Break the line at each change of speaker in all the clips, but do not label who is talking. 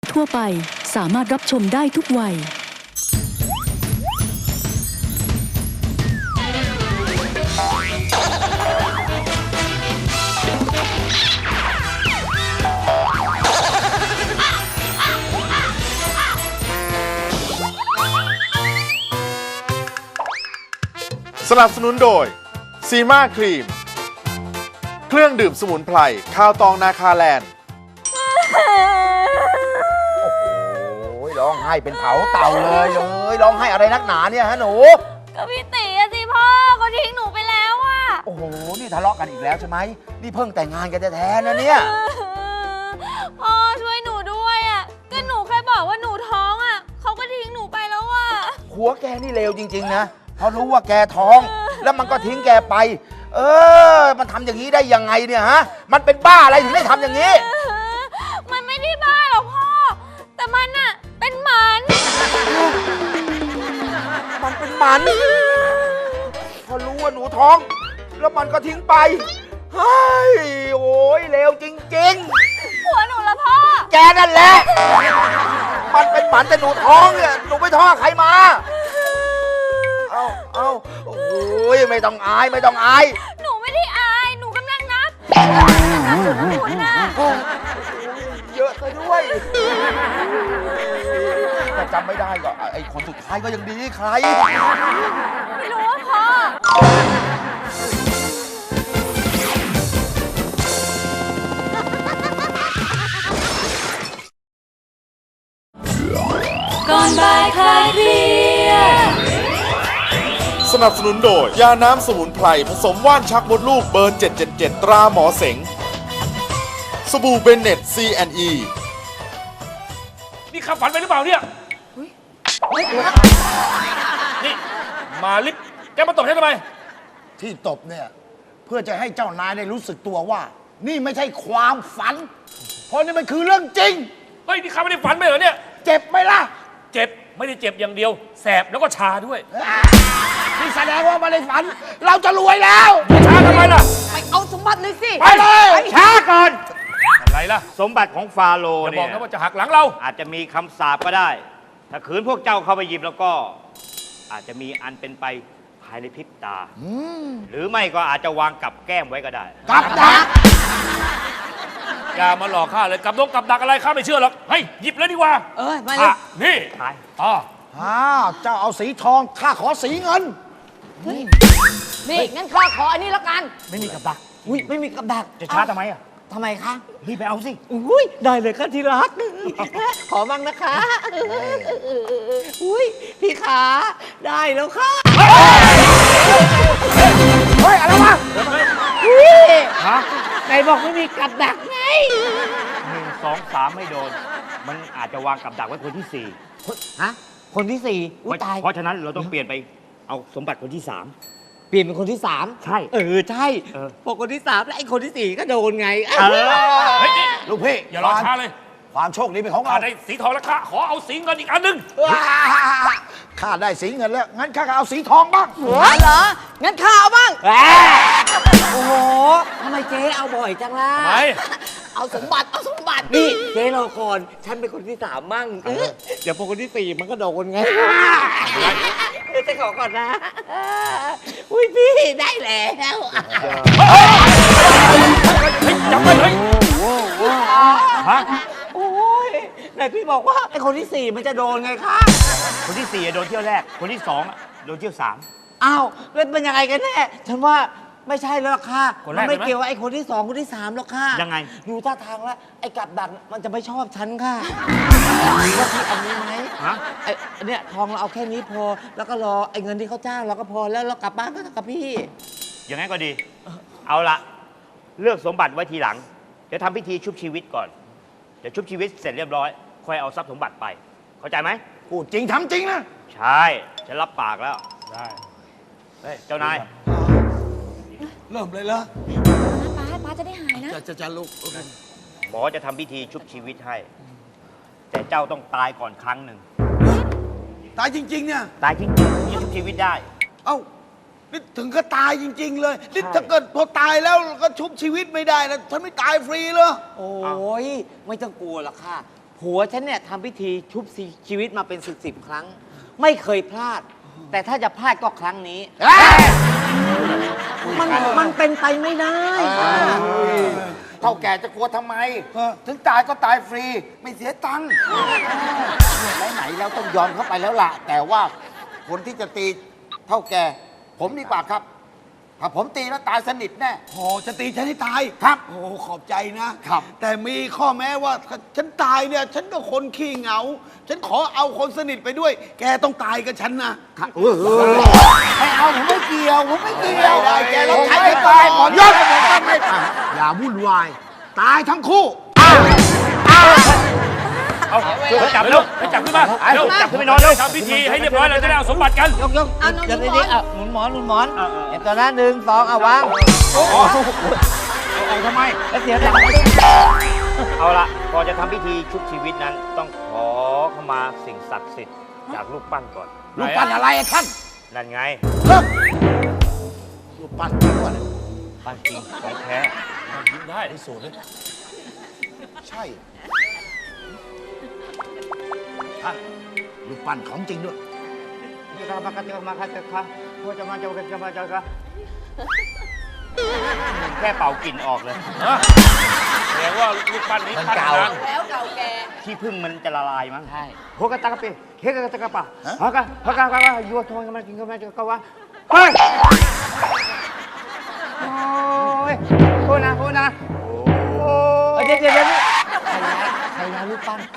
ทั่วไปสามารถรับชมได้ทุกวัย
สนับสนุนโดยซีมาครีมเครื่องดื่มสมุนไพรข้าวตองนาคาแลนด์
โอ้ยร้องไห้เป็นเผาเต่าเลยร้องไห้อะไรนักหนาเนี่ยฮะหนู
ก็พี่ตีอะสิพ่อเขาทิ้งหนูไปแล้วอะ
โอ้โหนี่ทะเลาะกันอีกแล้วใช่ไหมนี่เพิ่งแต่งงานกันแท้ๆนะเนี่ย
พ่อช่วยหนูด้วยอะก็หนูแค่บอกว่าหนูท้องอะเขาก็ทิ้งหนูไปแล้วอะ
หัวแกนี่เลวจริงๆนะเพราะรู้ว่าแกท้อง แล้วมันก็ทิ้งแกไป มันทำอย่างนี้ได้ยังไงเนี่ยฮะมันเป็นบ้าอะไรถึงได้ทำอย่างนี้
มันไม่ได้บ้าหรอกพ่อแต่มันอะเป็นหมัน
มันเป็นหมันพอรู้ว่าหนูท้อง แล้วมันก็ทิ้งไปเฮ้ยโอ้ยเลวจริงๆ
ผัวหนูละพ่อ
แกนั่นแหละ มันเป็นหมันแต่หนูท้องเนี่ยหนูไปท้องกับใครมา เอาโอ้ยไม่ต้องอายไม่ต้องอาย
หนูไม่ได้อายหนูกำลังนับหนูน่ะ
เยอะซะด้วยแต่จำไม่ได้ก็ไอ้คนสุดท้ายก็ยังดีใคร
ไม่รู้ว่าพ่อก่อนบ่ายคลายเครียด
สนับสนุนโดยยาน้ำสมุนไพรผสมว่านชักมดลูกเบอร์ 777 ตราหมอเสงสบู่เบนเน็ต C&E
นี่ขับฝันไปหรือเปล่าเนี่ยนี่มาลิฟต์แกมาตบฉันทำไม
ที่ตบเนี่ยเพื่อจะให้เจ้านายได้รู้สึกตัวว่า นี่ไม่ใช่ความฝัน เพราะนี่มันคือเรื่องจริง
เฮ้ยนี่ข้าไม่ได้ฝันไปเหรอเนี่ย
เจ็บไหมล่ะ
เจ็บไม่ได้เจ็บอย่างเดียวแสบแล้วก็ชาด้วย
นี่แสดงว่าไมาในฝัน เราจะรวยแล้ว
ชาทำไมล่ะ
ไปเอาสมบัติเลยสิ
ไปเลย
ช้าก่อน
อะไรล่ะ
สมบัติของฟาโรห์
อย่าบ
เนี่
อก
ย
นะว่าจะหักหลังเรา
อาจจะมีคำสาปก็ได้ ถ้าขืนพวกเจ้าเข้าไปหยิบแล้วก็ อาจจะมีอันเป็นไปภายในพริบตา หรือไม่ก็อาจจะวางกับแก้มไว้ก็ได้
กับดัก
อย่ามาหลอกข้าเลยกับดักอะไรข้าไม่เชื่อหรอกเฮ้ยหยิบเลยดีกว่า
มาเลย
นี่
ขาย
อ๋อ
เจ้าเอาสีทองข้าขอสีเงิน
นี่งั้นข้าขออันนี้แล้วกัน
ไม่มีกับดัก
อุ้ยไม่มีกับดัก
จะช้าทำไมอ่ะ
ทำไมคะ
รีบไปเอาสิ
อุ้ยได้เลยค่ะที่รัก ขอมั่งนะคะ อุ้ยพี่ขาได้แล้วค่ะ
เฮ้ย อะไรวะ
อุ้ยไหนบอกไม่มีกับดักไง
1 2 3ไม่โดน มันอาจจะวางกับดักไว้คนที่
ฮะ คนที่สี่
4
อุ้ยตาย
เพราะฉะนั้นเราต้องเปลี่ยนไปเอาสมบัติคนที่
เปลี่ยนเป็นคนที่สาม
ใช่
ใช่ พอคนที่สามแล้วไอ้คนที่สี่ก็โดนไง
เฮ้ยนี่
ลูกพี่
อย่ารอช้าเลย
ความโชคดีเป็นของ
ข้า
เรา
ได้สีทองแล้วข้าขอเอาสีเงินอีกอันหนึง
ข้าได้สีเงินแล้ว งั้นข้าก็เอาสีทองบ้าง
เหรอ งั้นข้าเอาบ้างโอ้โหทำไมเจ๊เอาบ่อยจังล่ะ
ทำไม
เอาสมบัติ เอาสมบัติ นี่เจ๊รอก่อน ฉันเป็นคนที่สามมั่งเดี๋ยวพอคนที่สี่มันก็โดนไงเดี๋ยวจะขอก่อนนะ อุ้ยพี่ได้แล้ว
จับไปเลย
ฮะ
โอ้ยไหนพี่บอกว่าไอ้คนที่สี่มันจะโดนไงคะ
คนที่4โดนเที่ยวแรก คนที่2โดนเที่ยว
อ้าวแล้วเป็นยังไงกันแน่ฉันว่าไม่ใช่แล้วล่ะค่ะ
คนแร
มั
ก
ไม่
ใช่ไหม
เกี่ยวกับไอ้คนที่สองคนที่สามแล้วค่ะ
ยังไง
ดูท่าทางแล้วไอ้กับดักมันจะไม่ชอบฉันค่ะว่าพี่เอานี้ไหม
ฮะ
ไอ้เนี่ยทองเราเอาแค่นี้พอ แล้วก็รอไอ้เงินที่เขาจ้างเราก็พอแล้วเรากลับบ้านก็กับพี่
อย่างนั้นก็ดี เอาละเลือกสมบัติไว้ทีหลัง เดี๋ยวทำพิธีชุบชีวิตก่อน เดี๋ยวชุบชีวิตเสร็จเรียบร้อย ค่อยเอาทรัพย์สมบัติไป เข้าใจไหม
พูดจริงทำจริงนะ
ใช่ ฉันรับปากแล้ว
ได้
เฮ้ย เจ้านาย
เริ่มเลยเหรอ
ป้าจะได้หายนะ
จะลูก
หมอจะทำพิธีชุบชีวิตให้ แต่เจ้าต้องตายก่อนครั้งหนึ่ง
ตายจริง ๆ เนี่ย
ตายจริงๆถึงจะชุบชีวิตได้
เอ้า นี่ถึงก็ตายจริง ๆ เลย นี่
ใช่
ถ้าเกิดพอตายแล้วก็ชุบชีวิตไม่ได้นะฉันไม่ตายฟรีเหรอ
โอ้ยไม่ต้องกลัวหรอกค่ะ พผัวฉันเนี่ยทำพิธีชุบชีวิตมาเป็นสิบครั้ง ไม่เคยพลาด แต่ถ้าจะพลาดก็ครั้งนี้ มันเป็นไปไม่ได้
เท่าแก่จะกลัวทำไม ถึงตายก็ตายฟรี ไม่เสียตังค์ไหนๆแล้วต้องยอมเข้าไปแล้วล่ะ แต่ว่าคนที่จะตีเท่าแก่ ผมดีกว่าครับ ถ้าผมตีแล้วตายสนิทแน่
พอจะตีฉันให้ตาย
ครับ
โอ้ขอบใจนะครับ แต่มีข้อแม้ว่าถ้าฉันตายเนี่ย ฉันก็คนขี้เหงา ฉันขอเอาคนสนิทไปด้วย แกต้องตายกับฉันนะ
ไม่เอาผมไม่เกี่ยว ผมไม่เกี่ยว
ได้แกต้อง
ผม
ใช้
ไม่
กัน
ตาย
ก่อน
ยศไม่ตาย
อย่าวุ่นวาย ตายทั้งคู่
เอาจับเร็วไปจับขึ้นมาเร็วจับขึ้นไปนอนเร็วทำพิธีให้เรียบร้อยเราจะได้เอาสมบัติกัน
ยกเดี๋ยวนี้หนุนหมอนเดี๋ยวตอนนั้น1 2เอาวาง
เอาทำไม
แล้วเสียจัง
เอาละก่อนจะทำพิธีชุบชีวิตนั้น ต้องขอขมาสิ่งศักดิ์สิทธิ์จากรูปปั้นก่อน
รูปปั้นอะไรอะท่าน
นั่นไง
รูปปั้นจริงวะเนี่ย
ปั้นจริงของแท้
ได้ที่สุดเลย
ใช่ท่านรูปปั้นของจริงด้วย
แค่เป่ากลิ่นออกเลย
แสดงว่าลูกปั้นนี้ปั้นนาน
แล้วเก่าแก่
ที่พึ่งมันจะละลายมั้ง
ใช่
หัวกระตากระเปะเฮกระตากระปะฮะกะยัวทองกันมากินกันมาจะก็ว่าเฮ้ยโอ้ยพูดนะโอ้ย
เดี๋ยวใครนะรูปปั้น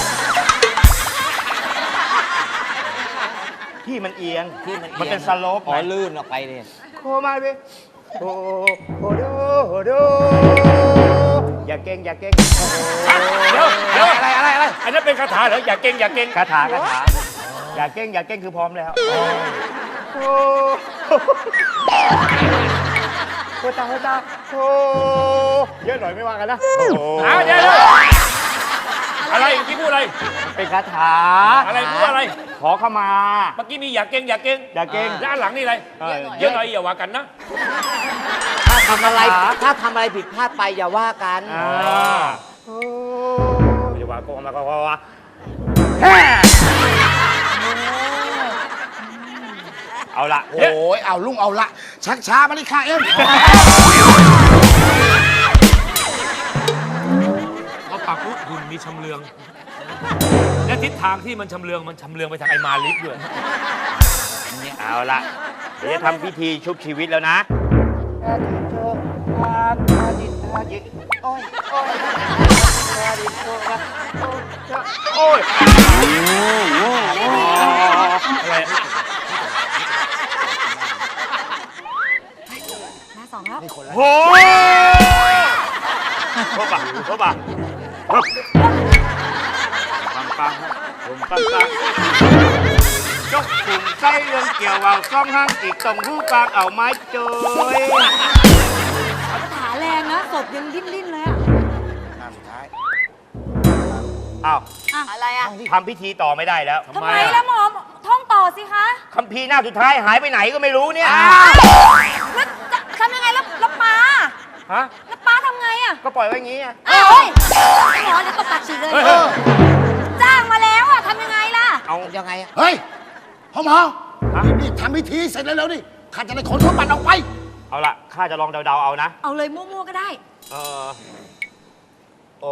ที่มันเอียงมันเป็นสโลป
อ๋อลื่นออกไปเนี่ย
โคมาดิโอ้ดูอย่าเก่ง
เดี๋ยวอะไรอันนั้นเป็นคาถาเหรออย่าเก่งอย่าเก่ง
คาถาอย่าเก่งคือพร้อมแล้วโอ้ตาโอ้เยอะหน่อยไม่ว่ากันนะ
เดี๋ยวอะไรเมื่อกี้พูดอะไร
เป็นคาถา
อะไรพูดอะไร
ขอเข้ามา
เมื่อกี้มีอย่าเก่งอย่าเก่ง
อย่าเก่ง
ด้านหลังนี่อะไรเยอะหน่อยอย่าว่ากันนะ
ถ้าทำอะไรผิดพลาดไปอย่าว่ากัน
อย่าว่าก็ว่าเอาละ
โอ้ยเอาลุงเอาละชักช้ามาเลยค่ะเอ็ม
เขาปากพุหุ่นมีชำเลือง และทิศทางที่มันชำเลืองไปทางไอ้มาลิฟด้วย
เอาละเดี๋ยวจะทำพิธีชุบชีวิตแล้วนะโอ้ยอะไร
มาสองแล้ว
โอ้ยโทษป่ะปังจกกลุ่มไส้เรื่องเกี่ยวเอาซ่องห้างอีกตรงรูปปางเอาไม้เจย
ขาแรงนะศพยังดิ้นเลยอะ
อ้าว
อะไรอะ
ทำพิธีต่อไม่ได้แล้ว
ทำไมล่ะหมอท่องต่อสิคะ
คัมภีร์หน้าสุดท้ายหายไปไหนก็ไม่รู้เนี่ย
แล้วจะทำยังไงแล้วป้า
ฮะ
แล้วป้าทำไงอะ
ก็ปล่อยไว้อย่างงี้อะ
อ้าวเฮ้ยหมอเดี๋ยวตบปากฉีกเลยจ้างมาแล้วอะทำยังไงล่ะ
เอา
ยังไงอะ
เฮ้ยพ่อหมอ
ฮะ
นี่ทำพิธีเสร็จแล้วนี่ข้าจะได้ขนสมบัติออกไป
เอาละข้าจะลองเดาๆเอานะ
เอาเลยมั่วๆก็ได้
โอ้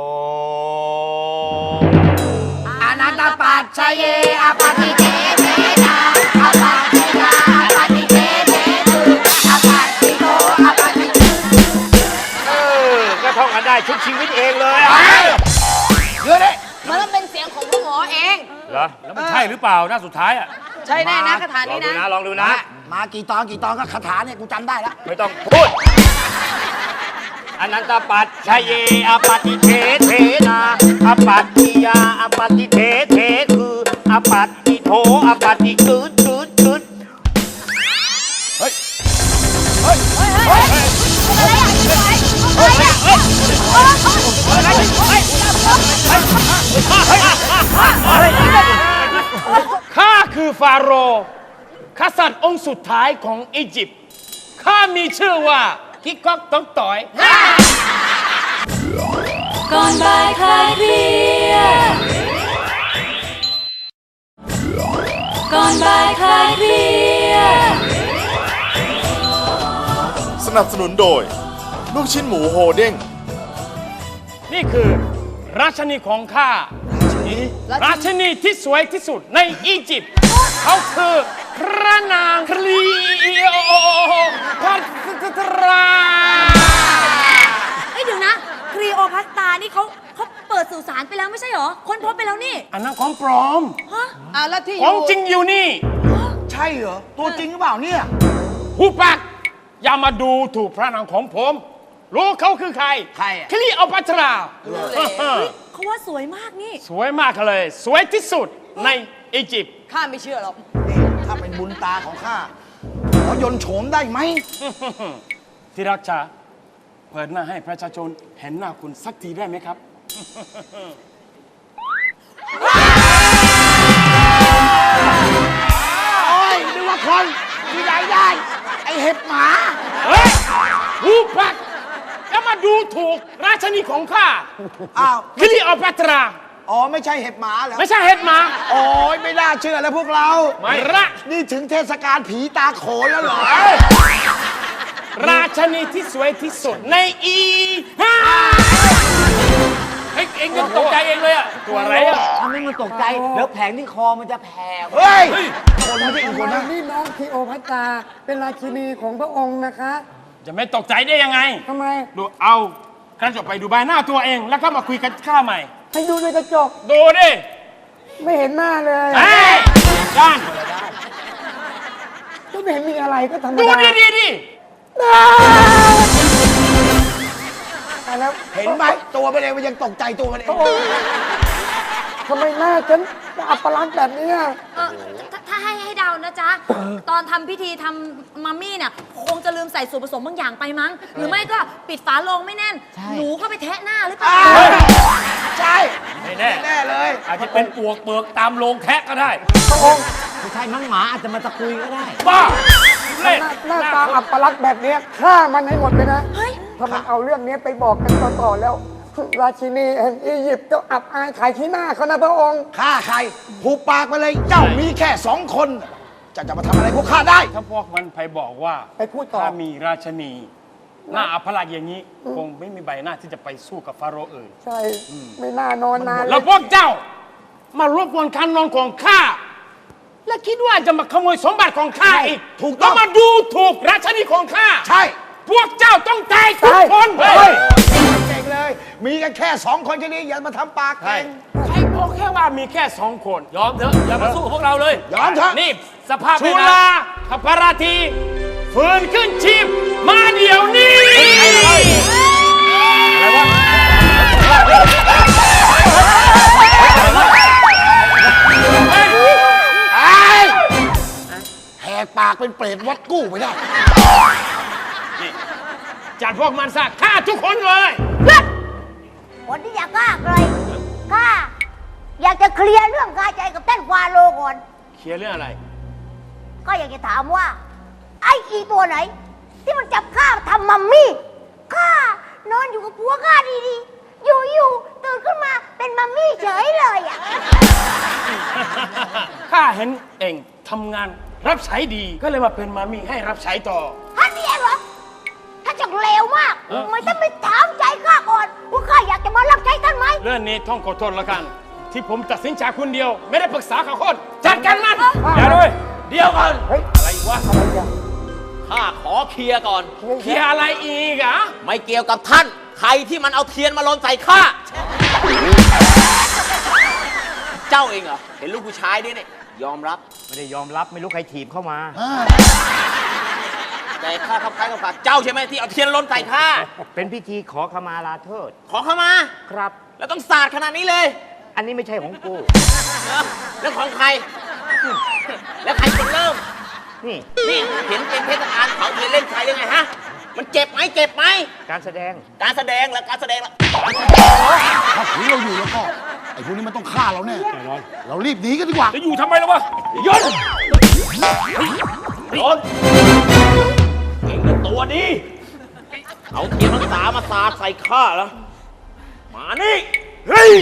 อนันตปัจชัยเยอปฏิเทเทนาอปัจจยาอปฏิเทเทตุอปัจจิโตอปฏิจุ
ก็ท่องกันได้ชุบชีวิตเองเลยอะ
เดี๋ยวนี้
มันต้องเป็นเสียงของพ่อหมอเอง
เหรอ
แล้วมันใช่หรือเปล่าหน้าสุดท้ายอ่ะ
ใช่แน่นะคาถา
ลอง
นี้
ดู
นะ
นะลองดูนะ
มากี่ตอนก็คาถาเนี่ยกูจำได้แล้ว
ไม่ต้องพูดอนันตปัจชัยเยอปฏิเทเทนาอปัจจิยาอปฏิเทเทคืออปัจจิโทอปัจจิกึด
ข้าคือฟาโรห์กษัตริย์องค์สุดท้ายของอียิปต์ข้ามีชื่อว่ากิกก๊อกต้องต่อย
ก่อนบ่ายคลายเครียดก่อนบ่ายคลายเครียด
สนับสนุนโดย ลูกชิ้นหมูโฮเด้ง
นี่คือราชนีของข้า ราชนีที่สวยที่สุดในอียิปต์เขาคือพระนางคลีโอพัตรา
เอ้ยเดี๋ยวนะครีโอพัสตานี่เขาเปิดสื่อสารไปแล้วไม่ใช่เหรอค้นพบไปแล้วนี่
อันนั้นของปลอม
ฮะแล้วที่
ของจริงอยู่นี่
ใช่เหรอ ตัวจริงหรือเปล่าเนี่ย
หูปากอย่ามาดูถูกพระนางของผม รู้เขาคือใคร
ใครอะ
คลีโอพัตรา
เขาว่าสวยมากนี่
สวยมากเลย สวยที่สุดในอียิปต์
ข้าไม่เชื่อหรอก
ถ้าเป็นบุญตาของข้าขอยนต์โฉมได้ไหม
ที่รักจ๋าเปิดหน้าให้ประชาชนเห็นหน้าคุณสักทีได้ไหมครับ
โอ้ยนึกว่าคนที่ไหนได้ ไอเห็บหมา
เฮ้ยหูปักแล้วมาดูถูกราชนีของข้า
อ้าว
คลีโอพัตรา
อ๋อ ไม่ใช่เห็บหมาเหรอ
ไม่ใช่เห็ดหมา
โอ้ยไม่น่าเชื่อแล้วพวกเรา
ไม่ละ
นี่ถึงเทศกาลผีตาโขนแล้วเหรอ
ราชนีที่สวยที่สุดในอีฮ่าเอ็งยังตกใจเองเลยอะตัวอะไรอะ
ทำให้มันตกใจ แล้วแผงที่คอมันจะแผ่
เฮ้ย คนไม่ใช่อีกคนนะ
นี่น้องคีโอพัตตราเป็นราชินีของพระองค์นะคะ
จะไม่ตกใจได้ยังไง
ทำไม
ดูเอากระจกไปดูใบหน้าตัวเองแล้วก็มาคุยกันข้าใหม่
ให้ดูในกระจก
ดูดิ
ไม่เห็นหน้าเลย
เฮ้ยด้าน
ก็ไม่เห็นมีอะไรก็ธรรม
ดู
ดา
ดิ
แต่แล้ว
เห็นไหมตัวมันเองมันยังตกใจตัวมันเอง
ทำไมหน้าฉันอัปลักษณ์แบบเนี้ย
ถ้าให้เดานะจ๊ะ ตอนทำพิธีทำมัมมี่เนี่ยคงจะลืมใส่ส่วนผสมบางอย่างไปมั้ง หรือไม่ก็ปิดฝาโลงไม่แน่น หนูก็ไปแทะหน้าหรือเปล่า
ใช่
ไม่แน่
แน่เลย
อาจจะเป็นปวกเปลือกตามโรงแทะก็ได้
พระองค์
ไม่ใช่มั้งหมาอาจจะมาตะกุยก็ได้
บ้าเล่น
หน้าตาอัปลักษณ์แบบเนี้ยฆ่ามันให้หมดเลยนะ
เฮ้ย
ถ้ามันเอาเรื่องนี้ไปบอกกันต่อๆแล้ว ราชินีแห่งอียิปต์ก็อับอายขายขี้หน้าเขานะพระองค์
ฆ่าใครผูกปากไปเลย เจ้ามีแค่2 คนจะมาทำอะไรพวกข้าได้
ถ้าพวกมันไปบอกว่า
ไปพูดต่อ
ถ้ามีราชนี หน้าอัปลักษณ์อย่างนี้ คงไม่มีใบหน้าที่จะไปสู้กับฟาโรห์อื่น
ใช่ ไม่น่านอนนาน
แล้วพวกเจ้ามารบกวนการนอนของข้า และคิดว่าจะมาขโมยสมบัติของข้าอีก
ถูกต้อง
แล้วมาดูถูกราชนีของข้า
ใช่
พวกเจ้าต้องตายทุกคน
เฮ้ยเก่งเลย มีกันแค่2 คนแค่นี้อย่ามาทำปากเก่ง
ใครบอกแค่ว่ามีแค่2 คน ยอมเถอะอย่ามาสู้กับพวกเราเลย
ยอมเถอะ
นี่สภาพชุลาขปาราทีฝืนขึ้นชีพมาเดี๋ยวนี้อะไรวะ
แหกปากเป็นเปรตวัดกู้ไปได้
จัดพวกมันซะฆ่าทุกคนเลย
คนที่อยากฆ่าเลยข้าอยากจะเคลียร์เรื่องคาใจกับท่านฟาโรห์ก่อน
เคลียร์เรื่องอะไร
ก็อยากจะถามว่า ไอ้อีตัวไหน ที่มันจับข้าทำมัมมี่ข้านอนอยู่กับผัวข้าดีๆ อยู่ๆตื่นขึ้นมาเป็นมัมมี่เฉยเลยอ่ะ
ข้าเห็นเองทำงานรับใช้ดีก็เลยมาเป็นมามีให้รับใช้ต่อ
ท่านนี่เองเหรอท่านจังเลวมากทำไมท่านไม่ถามใจข้าก่อนว่าข้าอยากจะมารับใช้ท่านไหม
เรื่องนี้ต้องขอโทษแล้วกัน ที่ผมตัดสินใจคนเดียว ไม่ได้ปรึกษากับคนจัดการมันอย่าเลยเดี๋ยวก่อนอะไรวะ
ข้าขอเคลียร์ก่อน
เคลียร์อะไรอีกอ่ะ
ไม่เกี่ยวกับท่าน ใครที่มันเอาเทียนมาลนใส่ข้า เจ้าเองเหรอ เห็นลูกผู้ชายด้วยเนี่ยยอมรับ
ไม่ได้ยอมรับไม่รู้ใครถีบเข้ามา
แต่ข้าทำคล้ายกับข้าเจ้าใช่ไหมที่เอาเทียนลนใส่ข้า
เป็นพิธีขอขมาลาโทษ
ขอเข้ามา
ครับ
แล้วต้องสาดขนาดนี้เลย
อันนี้ไม่ใช่ของกู
แล้วของใคร แล้วใครคนเริ่ม
นี่
นี่เห็นเป็นเทศกาลเผาเทียนเล่นใครยังไงฮะ มันเจ็บไหมเจ็บไหม
การแสดง
การแสดงแล้วการแสดงแล้ว
ถ้าผีเราอยู่แล้วก็ ไอ้พวกนี้มันต้องฆ่าเราแน่เรารีบหนีกันดีกว่า
จะอยู่ทำไมล่ะวะยนยน
เก่งแต่ตัวดี เอาเทียนพรรษามาสาดใส่ข้าแล้ว
มานี่ เฮ้ย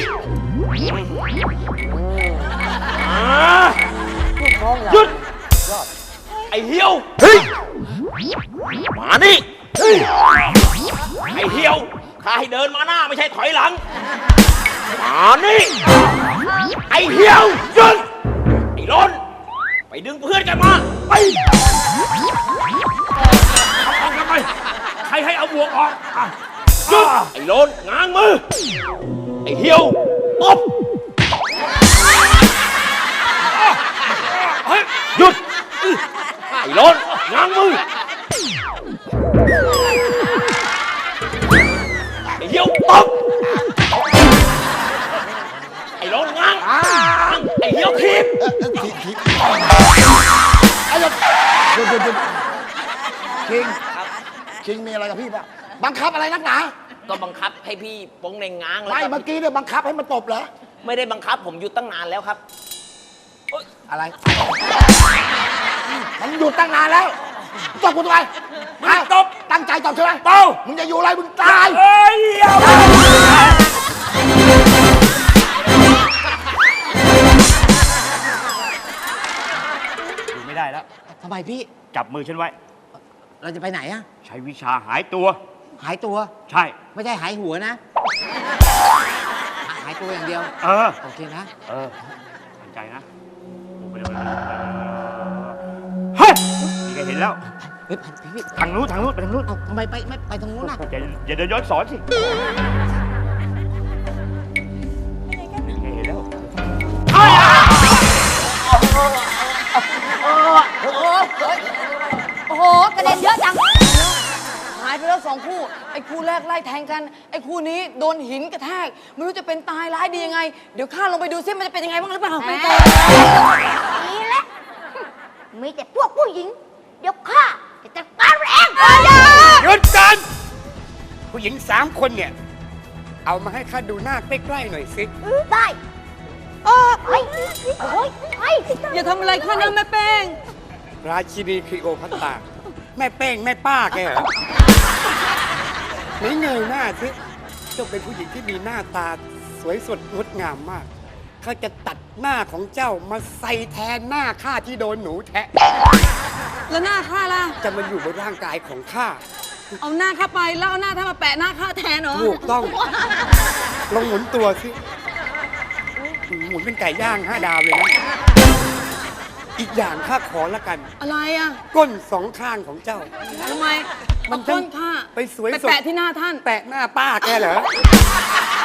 หยุด ไอ้เหี่ยว เฮ้ย มานี่ เฮ้ย ไอ้เหี่ยวข้าให้เดินมาหน้าไม่ใช่ถอยหลัง มานี่ ไอ้เหี่ยวหยุด ไอ้ล้นไปดึงเพื่อนกันมา ไป
เอาทำไมใครให้เอาบวกออกอ่ะ
หยุด ไอ้ล้นง้างมือ ไอ้เหี่ยวตบ
เฮ้ย
หยุด ไอ้ล้นง้างมือ ไอ้เหี่ยวตบ ไอ้ล้นง้าง ไอ้เหี่ยวทีบ
คิงมีอะไรกับพี่ป่ะบังคับอะไรนักหนา
ก็บังคับให้พี่โป้งเหน่งง้างแล้ว
ไม่เมื่อกี้เนี่ยบังคับให้มันตบเหรอ
ไม่ได้บังคับผมหยุดตั้งนานแล้วครับ
อะไร มันหยุดตั้งนานแล้วตบกูทำไมฮะตบตั้งใจตบใช่ไหมเปล่ามึงจะอยู่อะไรมึงตาย
เฮ้ยเอาไป
อยู่ไม่ได้แล้ว
ทำไมพี่
จับมือฉันไว้
เราจะไปไหนอะ
ใช้วิชาหายตัว
หายตัว
ใช่
ไม่ใช่หายหัวนะ หายตัวอย่างเดียว
เออ
โอเคนะ
เออมั่นใจนะไปเร็วเฮ้ยนี่ก็เห็นแล้ว
เฮ้ยพี่
ทางนู้นไปทางนู้น
เอาทำไมไม่ไปตรงนู้นน่ะ
อย่าเดินย้อนสอนสินี่ก็เห็นแล้ว
โอ้โห กระเด็นเยอะจัง หายไปแล้ว2 คู่ ไอ้คู่แรกไล่แทงกัน ไอ้คู่นี้โดนหินกระแทก ไม่รู้จะเป็นตายร้ายดียังไง เดี๋ยวข้าลงไปดูซิมันจะเป็นยังไงบ้างหรือเปล่าไปเจอ
นี่แหละมีแต่พวกผู้หญิง เดี๋ยวข้าจะจัดการมันเอง
หยุดกันผู้หญิง3 คนเนี่ย เอามาให้ข้าดูหน้าใกล้ๆหน่อยสิ
ได้ไปโอ้ยไป
อย่าทำอะไรข้านะแม่แป้ง
ราชินีคลีโอพัตตราแม่เป้งแม่ป้าแกเหรอไหนเงยหน้าสิเจ้าเป็นผู้หญิงที่มีหน้าตาสวยสดงดงามมากเขาจะตัดหน้าของเจ้ามาใส่แทนหน้าข้าที่โดนหนูแทะ
แล้วหน้าข้าล่ะ
จะมาอยู่บนร่างกายของข้า
เอาหน้าข้าไปแล้วเอาหน้าท่านมาแปะหน้าข้าแทนเหรอ
ถูกต้อง ลองหมุนตัวสิหมุนเป็นไก่ย่าง5 ดาวเลยนะ อีกอย่างข้าขอละกัน
อะไรอ่ะ
ก้น2 ข้างของเจ้า
ทำไม
มั
มัน นต้นข้า
ไปสวย
ไป
สด
แปะที่หน้าท่าน
แปะหน้าป้าแกเหรอ